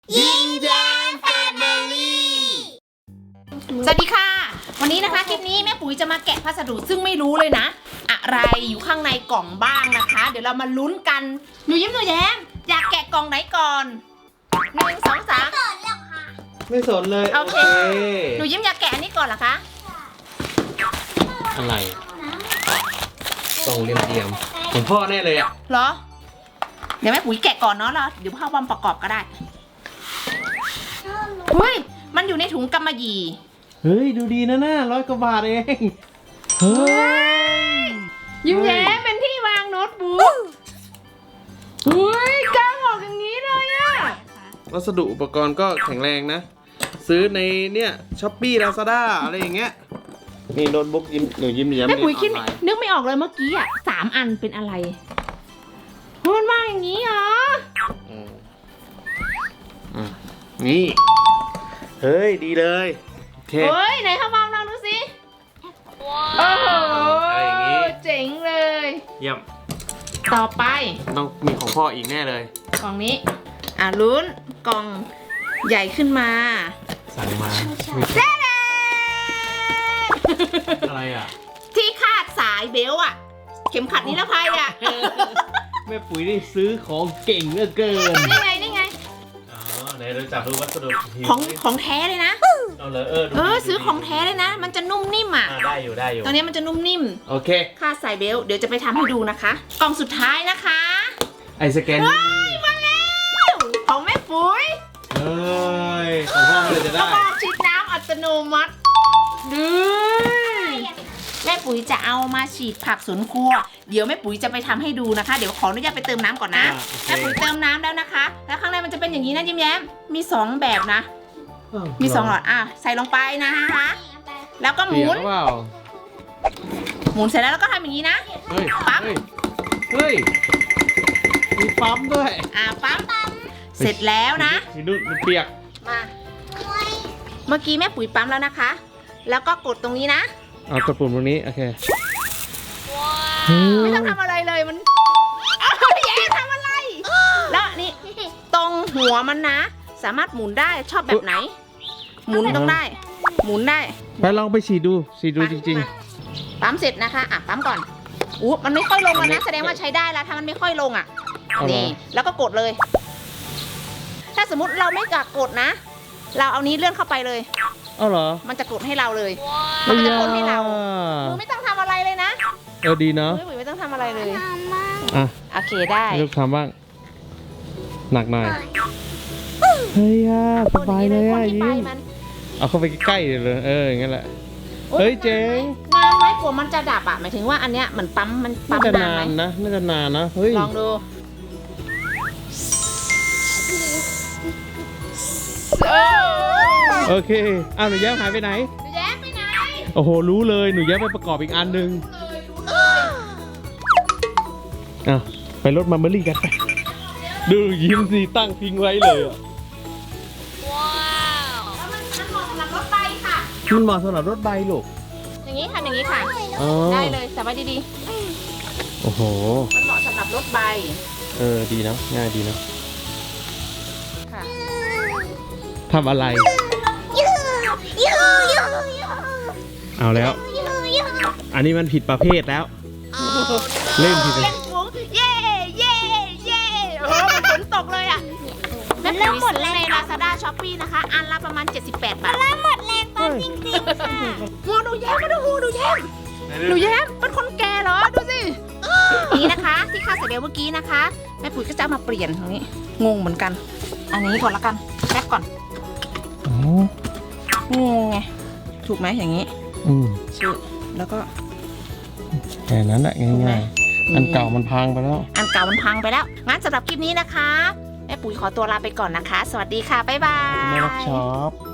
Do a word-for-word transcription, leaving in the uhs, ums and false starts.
ยิ้มแย้มแฟมิลี่สวัสดีค่ะวันนี้นะคะคลิปนี้แม่ปุ๋ยจะมาแกะพัสดุซึ่งไม่รู้เลยนะอะไรอยู่ข้างในกล่องบ้างนะคะเดี๋ยวเรามาลุ้นกันหนูยิ้มหนูแย้มอยากแกะกล่องไหนก่อนหนึ่งสองสามไม่สนเลยโอเคหนูยิ้มอยากแกะอันนี้ก่อนเหรอคะอะไรตรงเรียมๆของพ่อแน่เลยอ่ะเหรอเดี๋ยวแม่ปุ๋ยแกะก่อนเนาะแล้วเดี๋ยวพ่อบอมประกอบก็ได้เฮ้ยมันอยู่ในถุงกำมะหยี่เฮ้ยดูดีนะน่าร้อยกว่าบาทเองเฮ้ยยิ้มแย้มเป็นที่วางโน้ตบุ๊กเฮ้ยกางออกอย่างนี้เลยอะวัสดุอุปกรณ์ก็แข็งแรงนะซื้อในเนี่ยช้อปปี้ลาซาด้าอะไรอย่างเงี้ยนี่โน้ตบุ๊กยิ้มหนูยิ้มแย้มแม่ปุ๋ยคิดเรีนออนไลน์นึกไม่ออกเลยเมื่อกี้อ่ะสามอันเป็นอะไรมันมาอย่างนี้เหรออืมอืมนี่เฮ้ยดีเลยโอเคเฮ้ยไหนคะบอมลองดูสิโอ้โหอะไรอย่างงี้เจ๋งเลยเยี่ยมต่อไปต้องมีของพ่ออีกแน่เลยกล่องนี้อ่ะลุ้นกล่องใหญ่ขึ้นมาสั่งมาอะไรอ่ะที่คาดสายเบลต์อ่ะ เข็มขัดนิรภัยอ่ะแม่ปุ๋ยได้ซื้อของเก่งเหลือเกินนี่ไงนี่ไงอ๋อไหนเราจับดูวัสดุของของแท้เลยนะเอาเลยเออดูเออดีซื้อดูดีของแท้เลยนะ มันจะนุ่มนิ่มอ่ะอ่าได้อยู่ได้อยู่ตัวนี้มันจะนุ่มนิ่มโอเคคาดสายเบลต์เดี๋ยวจะไปทำให้ดูนะคะ กล่องสุดท้ายนะคะไอสแกนว้ายมาแล้วของแม่ปุ๋ยเฮ้ยของพ่อมันเลยจะกระได้บอกฉีดน้ำอัตโนมัติดูแม่ปุ๋ยจะเอามาฉีดผักสวนครัว เดี๋ยวแม่ปุ๋ยจะไปทำให้ดูนะคะ เดี๋ยวขออนุญาตไปเติมน้ำก่อนนะ แม่ปุ๋ยเติมน้ำแล้วนะคะ แล้วข้างในมันจะเป็นอย่างนี้นะยิ้มแย้มมีสองแบบนะ มีสองหลอดอ่ะใส่ลงไปนะคะ แล้วก็หเปียมุกนหรือเปล่าหมุนเสร็จแล้วแล้วก็ทำอย่างนี้นะเฮ้ยปั๊มเฮ้ยเฮ้ยมีปั๊มด้วยอ่ะปั๊มเสร็จแล้วนะสีนุ่นมันเปียกมาเมื่อกี้แม่ปุ๋ยปั๊มแล้วนะคะ แล้วก็กดตรงนี้นะเอากดปุ่มตรงนี้โอเคไม่ต้องทำอะไรเลยมันอ้าวแย่ทำอะไร แล้วนี่ตรงหัวมันนะ สามารถหมุนได้ชอบแบบไหน หมุนต้องได้ หมุนได้ไปลองไปฉีดดูฉีดดูจริงมาปั๊มเสร็จนะคะอ่ะปั๊มก่อนอู้มันไม่ค่อยลงแล้วอันนี้นะแสดงว่าใช้ได้แล้วถ้ามันไม่ค่อยลงอ่ะเอาเหรอนี่แล้วก็กดเลย ถ้าสมมติเราไม่กะกดนะ เราเอานี้เลื่อนเข้าไปเลยๆเอาเหรอมันจะกดให้เราเลย มันจะกดให้เราอ้ยมือไม่ต้องทำอะไรเลยนะเออดีเนาะมือไม่ต้องทำอะไรเลยอ่ะโอเคได้ให้ลูกทำบ้าง หนักหน่อย เฮ้ยอ่ะสบายเลยอ่ะคนที่ยิ้ไปมมันเอาเข้าไปใกล้ๆเลย เอออย่างนั้นแหละ เฮ้ยเจ๋งนานไหมกว่ามันจะดับอ่ะหมายถึงว่าอันเนี้ยเหมือนปั๊มมันน่าปั๊มจะนานนาไหมนนะ น่าจะนานนะ เฮ้ยลองดูเออโอเค อ้าวหนูแย้มหายไปไหนหนูแย้มไปไหนโอ้โห รู้เลย หนูแย้มไปประกอบอีกอันหนึ่งรู้เลยรู้เลยอ่ะไปรถมัมเบอรี่กันไป ดูยิ้มสิตั้งทิ้งไว้เลยอ่ะแล้วมันมันเหมาะสำหรับรถไฟค่ะมันเหมาะสำหรับรถใบลูกอย่างนี้ค่ะอย่างนี้ค่ะอ๋อได้เลยสบายดีโอ้โหๆมันเหมาะสำหรับรถใบเออ ดีนะ ง่ายดีนะค่ะทำอะไร เอาแล้ว อันนี้มันผิดประเภทแล้ว เล่นผิดเล่นฟุ้งเย่เย่เย่โอ้โหมันฝนตกเลยอ่ะแม่ปุ๋ยซื้อใน Lazada Shopee นะคะ อันละประมาณเจ็ดสิบแปดบาทหมดแรงตอนจริงๆค่ะหัวหนูแย้มมาดูหัวหนูแย้มหนูแย้มเป็นคนแก่เหรอ ดูสิ นี่นะคะที่ค่าใส่เบลเมื่อกี้นะคะ แม่ปุ๋ยก็จะเอามาเปลี่ยนตรงนี้ งงเหมือนกัน อันนี้ก่อนละกันแป๊บก่อนอ๋องงไง ถูกไหมอย่างนี้อืมชื่อแล้วก็แค่นั้นแหละง่ายๆ อันเก่ามันพังไปแล้วอันเก่ามันพังไปแล้ว งั้นสำหรับคลิปนี้นะคะ แม่ปุ๋ยขอตัวลาไปก่อนนะคะ สวัสดีค่ะ บ๊ายบายแม่รักช็อป